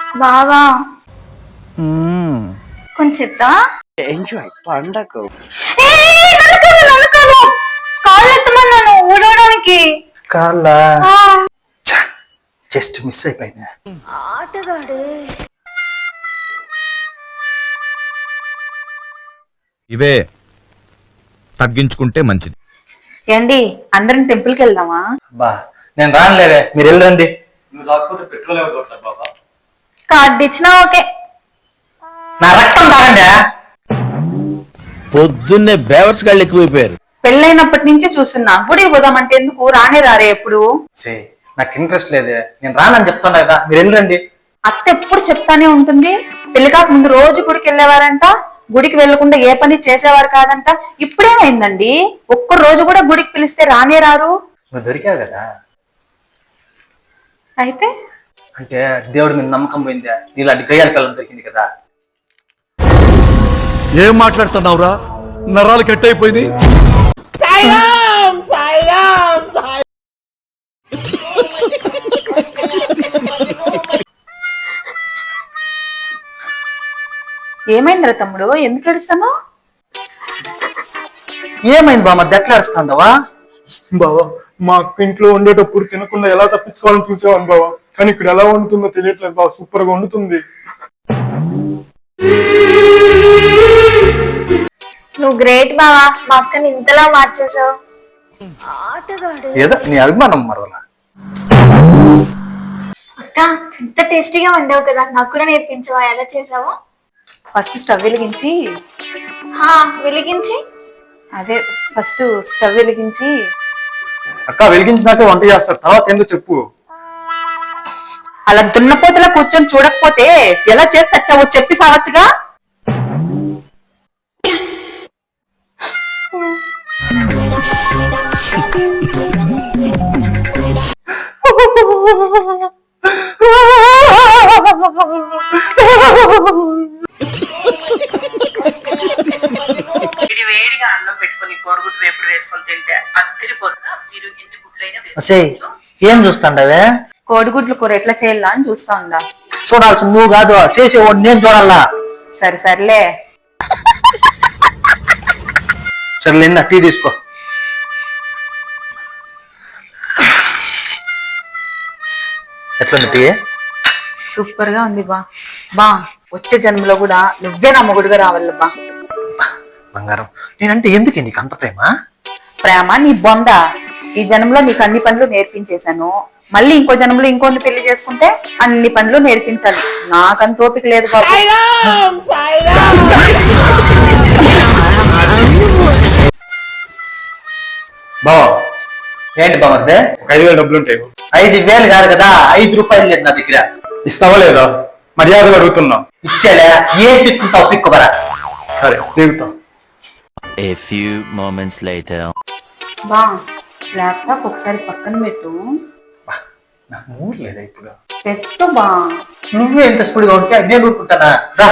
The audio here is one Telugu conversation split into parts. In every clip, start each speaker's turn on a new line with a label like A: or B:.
A: బావా కొంచెం
B: ఎంజాయ్ పండగ
A: కాళ్ళు ఎత్తమన్నాను ఊడవడానికి.
B: కాళ్ళ జస్ట్ మిస్ అయిపోయినా.
A: ఆటగాడే
C: ఇవే తగ్గించుకుంటే మంచిది.
A: ఏండి అందరం టెంపుల్ కి వెళ్దామా?
B: బా నేను రానులేవే, మీరు వెళ్ళండి. నువ్వు రాకపోతే పెట్రోల్ ఏమవుతుంది బాబా.
A: కార్డు ఇచ్చినా ఓకే.
B: నా రక్తం తాగండి.
D: పొద్దున్నే బేవర్స్ గాళ్ళు ఎక్కువైపోయారు.
A: పెళ్ళైనప్పటి నుంచి చూస్తున్నా గుడికి పోదామంటే ఎందుకు రానే రారే ఎప్పుడు.
B: నాకు ఇంట్రెస్ట్ లేదే, నేను రానని చెప్తాను కదా, మీరు వెళ్ళండి.
A: అత్త ఎప్పుడు చెప్తానే ఉంటుంది. పెళ్లి కాక ముందు రోజు గుడికి వెళ్ళేవారంట, గుడికి వెళ్లకుండా ఏ పని చేసేవారు కాదంట. ఇప్పుడేమైందండి? ఒక్క రోజు కూడా గుడికి పిలిస్తే రానే రారు.
B: నువ్వు దొరికావు కదా,
A: అయితే
B: అంటే దేవుడి మీద నమ్మకం పోయిందా? నీలాంటి గయ్యాల పిల్లలు దొరికింది కదా.
D: ఏం మాట్లాడుతున్నావురా? నరాలు కట్ అయిపోయింది.
A: ఏమైందిరా తమ్ముడు, ఎందుకు ఏడుస్తాను?
B: ఏమైంది బా, మరి దెట్లాడుస్తాండవా?
E: బావా మా అక్క ఇంట్లో ఉండేటప్పుడు తినకుండా ఎలా తప్పించుకోవాలని చూసేవాను బావా, కానీ ఇక్కడ ఎలా వండుతుందో తెలియట్లేదు బావా. సూపర్ గా వండుతుంది.
A: నువ్వు గ్రేట్ బావా, మా అక్కని ఇంతలా మార్చేసావు.
B: ఏదో నీ అభిమానం మరలా.
A: అక్క ఇంత టేస్టీగా వండావు కదా, నాకు కూడా నేర్పించవా? ఎలా చేసావు? ఫస్ట్ స్టవ్ వెలిగించి అదే ఫస్ట్ స్టవ్ వెలిగించి
E: అక్క వెలిగించినాకే వంట చేస్తారు, తర్వాత ఏందో చెప్పు.
A: అలా దున్నపోతలా కూర్చొని చూడకపోతే ఎలా చేసి తెచ్చావో చెప్పి సావచ్చుగా. వేడిగా అన్నం పెట్టుకుని కోడిగుడ్డు వేపుడు వేసుకొని తింటే అద్దరిపోతుందా? మీరు ఎన్ని గుడ్లైనా
B: ఏం చూస్తాండవే?
A: కోడిగుడ్లు కూర ఎట్లా చేయాలా అని చూస్తా ఉందా.
B: చూడాల్సింది నువ్వు కాదు, చేసేవాడు నేను చూడాలా.
A: సర్లే
B: సర్లేందా, టీ తీసుకో. ఎట్లుంది టీ?
A: సూపర్ గా ఉంది బా. వచ్చే జన్మలో కూడా నువ్వే నా మొగుడుగా రావాలి బా.
B: బంగారం, నేనంటే ఎందుకు నీకు అంత ప్రేమ?
A: ప్రేమ నీ బొంద. ఈ జన్మలో నీకు అన్ని పనులు నేర్పించేశాను, మళ్ళీ ఇంకో జన్మలో ఇంకొన్ని పెళ్లి చేసుకుంటే అన్ని పనులు నేర్పించాలి. నాకంత ఓపిక లేదు బాబు.
B: బావ ఏంటి బామర్దే?
E: 5,000 డబ్బులు ఉంటాయి.
B: 5,000 కాదు కదా, 5 రూపాయలు లేదు నా దగ్గర.
E: ఇస్తావా లేదా? మర్యాదగా అడుగుతున్నా.
B: ఇచ్చేలే, ఏం పిక్కుంటావు? పిక్కుబరా.
E: సరే దిగుతా.
F: A few moments later.
A: బా ల్యాప్టాప్ ఒకసారి పక్కన పెట్టు.
B: నాకు మూడు లేదా ఇప్పుడు?
A: పెట్టు బా.
B: నువ్వే ఎంత స్పీడ్గా ఉంటే నేను ఊరుకుంటానా? రా.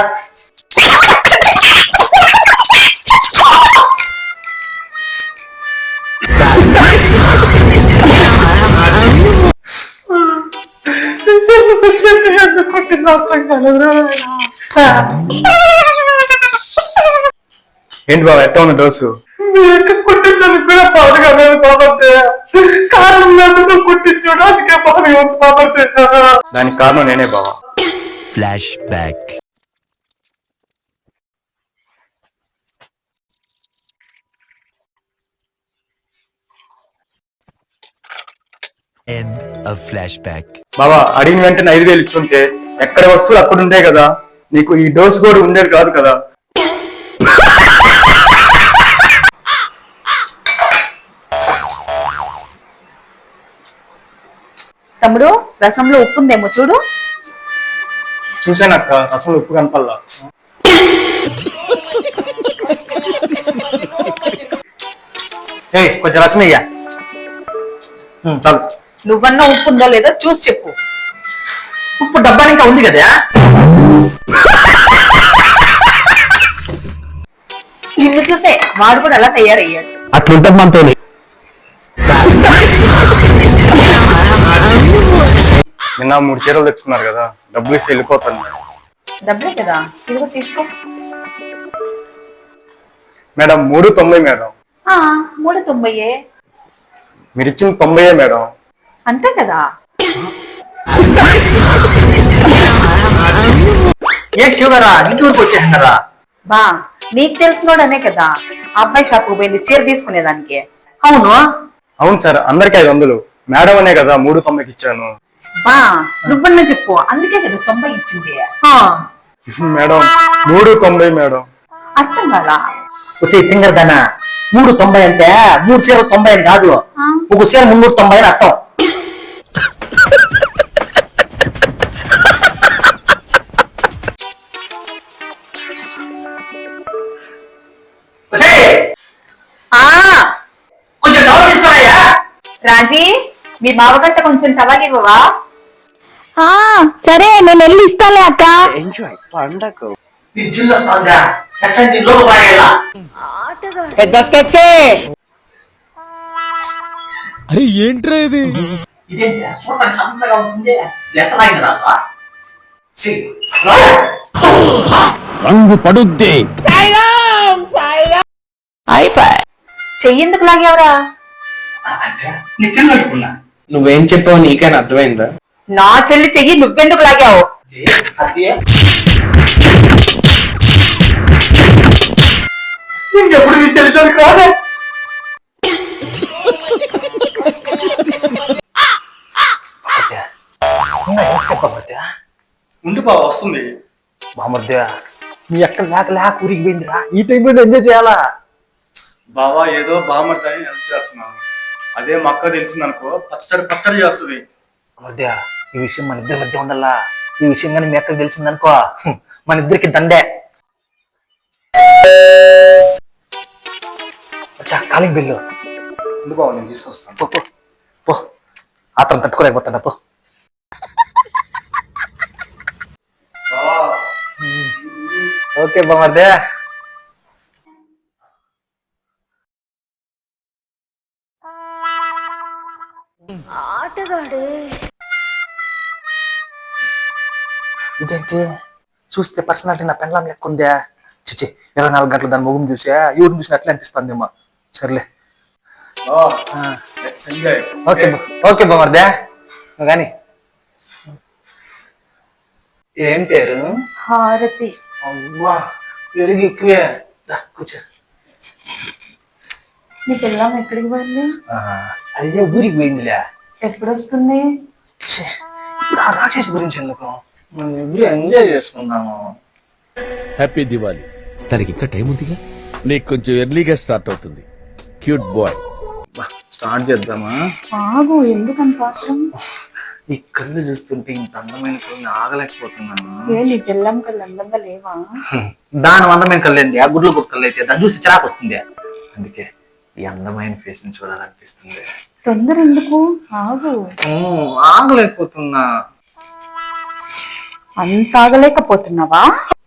E: ఏంటి బాబా ఎట్లా ఉన్న డోసు?
B: కుట్టిందని కూడా బాధగా బాబతే. కారణం లేకుండా కుట్టించాడు, అందుకే బాధగా బాబతే.
E: దానికి కారణం నేనే బావా.
F: Flashback. End of flashback.
E: బాబా అడిగిన వెంటనే 5,000 ఇచ్చుంటే ఎక్కడ వస్తువులు అక్కడ ఉండే కదా, నీకు ఈ డోసు కూడా ఉండేది కాదు కదా.
A: తమ్ముడు రసంలో ఉప్పు ఉందేమో చూడు.
E: చూసానక్క, రసంలో ఉప్పు కనపల్లా.
B: కొంచెం రసం అయ్యా చాలు.
A: నువ్వన్నా ఉప్పు ఉందో లేదో చూసి చెప్పు.
B: ఉప్పు డబ్బా ఇంకా ఉంది కదా.
A: నిన్ను చూసే వాడు కూడా అలా తయారయ్యాడు.
D: అట్లుంటది మనతో.
E: నిన్న 3 చీరలు తెచ్చుకున్నారు కదా, డబ్బులు ఇస్తే వెళ్ళిపోతాను మేడం.
A: డబ్బులే కదా, ఇది కూడా తీసుకో.
E: Madam 390 madam.
A: 390.
E: మీరు ఇచ్చిన 90 మేడం.
A: అంతే కదా.
B: ఏంటి శివగారా ఇంటి ఊరికి వచ్చేసినారా?
A: బా నీకు తెలిసినోడనే కదా ఆ అబ్బాయి షాప్కి పోయింది చీర తీసుకునేదానికి.
B: అవును.
E: అవును సార్, అందరికి 500. మేడం అనే కదా 390కి ఇచ్చాను.
A: బా నువ్వన్నా చెప్పు, అందుకే కదా 90 ఇచ్చింది.
E: Madam 390 madam.
A: అర్థం కదా.
B: వచ్చే తింగర్ దానా 390 అంటే 3 చీరలు 90 అని కాదు, ఒక చీర 390 అని అర్థం. కొంచెం డౌన్ తీసుకున్నాయా
A: రాజీ, మీ బావగట్ట కొంచెం టవల్ ఇవ్వవా?
C: సరే నేను వెళ్ళి ఇస్తాలే అక్క.
B: జిల్లు వస్తుందా ఎట్లా దీనిలో బాగా
C: పెద్ద స్కెచ్చే.
D: అరే ఏంట్రా ఇది?
B: ఇదేంటి చూడడానికి సన్నగా ఉంటుంది, ఎంత రాదా
D: రంగు పడుద్ది.
A: చెయ్యేందుకు లాగేవరా?
B: నీ చిన్న అనుకున్నా.
G: నువ్వేం చెప్పావు నీకైనా అర్థమైందా?
A: నా చెల్లి చెయ్యి నువ్వెందుకు లాగావు?
B: ఇంకెప్పుడు నీ చెల్లి కాదు.
E: ముందు బా వస్తుంది. బామర్దే మీ అక్క లేక ఊరికి పోయిందిరా, ఈ టైంలో ఎంజాయ్ చేయాలా? బావా ఏదో బామర్దని హెల్ప్ చేస్తున్నాను, అదే మా అక్క తెలిసిందనుకో పచ్చడి చేస్తుంది.
B: మధ్య ఈ విషయం మన ఇద్దరి మధ్య ఉండాలా. ఈ విషయం కానీ మీ అక్కకి తెలిసిందనుకో మన ఇద్దరికి దండే. కాలింగ్ బిల్లు
E: ముందు బావ నేను తీసుకొస్తాను.
B: పో పో పో, అతను తట్టుకోలేకపోతున్నా పో.
E: ఓకే బామర్దే.
B: ఇదేంటి చూస్తే పర్సనాలిటీ నా పెండ్లాం లెక్క ఉందే. చిచ్చి 24 గంటలు దాని ముఖం చూసా ఎవరిని చూసినా అట్లా అనిపిస్తుందేమో. సర్లే
E: ఓకే ఓకే బామర్దే.
B: కానీ ఏం పేరు?
A: హారతి.
B: అవ్వా పెరుగు ఎక్కువే. కూర్చో.
A: నీ పిల్లం ఎక్కడికి పోయింది?
B: అదే ఊరికి పోయిందిలే.
A: ఎప్పుడు వస్తుంది?
B: ఇప్పుడు ఆ రాక్షసి గురించి ఎందుకు, మనం ఇద్దరు ఎంజాయ్ చేసుకున్నాము.
D: హ్యాపీ దివాలి. తనకి ఇంకా టైం ఉందిగా, నీకు కొంచెం ఎర్లీగా స్టార్ట్ అవుతుంది. Cute boy.
E: స్టార్ట్ చేద్దామా?
A: ఆగు, ఎందుకంత ఆశం?
B: ఈ కళ్ళు చూస్తుంటే ఇంత అందమైన కళ్ళు ఆగలేకపోతున్నాను.
A: ఏ నీ పిల్లం కళ్ళు అందంగా లేవా?
B: దాని అందమైన కళ్ళు ఏంది, ఆ గుడ్లు కుక్కలు అయితే దాన్ని చూసి చిరాకు వస్తుంది. అందుకే ఈ అందమైన ఫేస్ ని చూడాలనిపిస్తుంది.
A: తొందర ఎందుకు, ఆగు.
B: ఆగలేకపోతున్నా.
A: అంత ఆగలేకపోతున్నావా?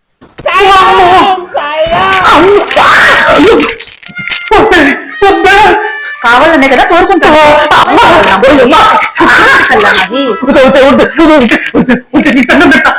A: కావాలనే కదా కోరుకుంటావా?
B: వద్దు, వద్దు, వద్దు, వద్దు, వద్దు, వద్దు, వద్దు, వద్దు, వద్దు, వద్దు, వద్దు, వద్దు, వద్దు, వద్దు, వద్దు, వద్దు,